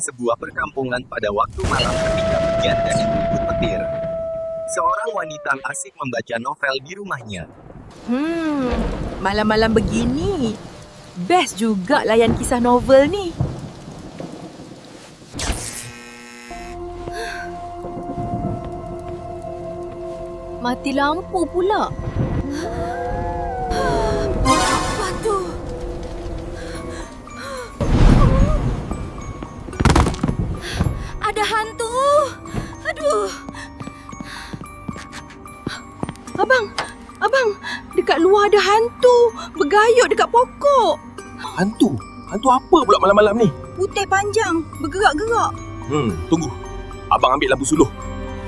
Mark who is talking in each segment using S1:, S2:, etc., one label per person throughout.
S1: sebuah perkampungan pada waktu malam ketika hujan dan ribut petir. Seorang wanita asik membaca novel di rumahnya.
S2: Malam-malam begini, best juga layan kisah novel ni. Mati lampu pula. Apa tu? Ada hantu. Aduh. Abang, dekat luar ada hantu. Bergayut dekat pokok.
S3: Hantu? Hantu apa pula malam-malam ni?
S2: Putih panjang, bergerak-gerak.
S3: Tunggu. Abang ambil lampu suluh.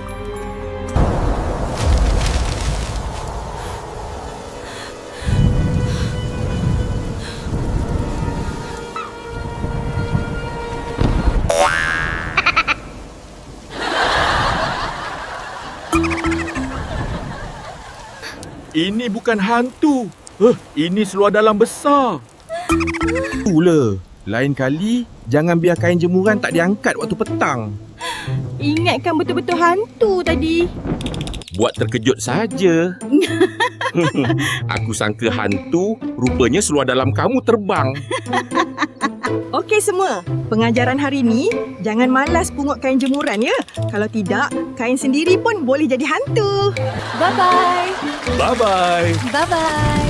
S4: Ini bukan hantu. Ini seluar dalam besar.
S3: Itulah. Lain kali, jangan biar kain jemuran tak diangkat waktu petang.
S2: Ingatkan betul-betul hantu tadi.
S4: Buat terkejut saja. Aku sangka hantu, rupanya seluar dalam kamu terbang.
S2: Okey semua, pengajaran hari ni jangan malas pungut kain jemuran ya. Kalau tidak, kain sendiri pun boleh jadi hantu. Bye-bye.
S4: Bye-bye.
S2: Bye-bye.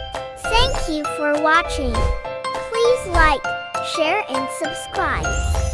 S5: Thank you for watching. Please like, share, and subscribe.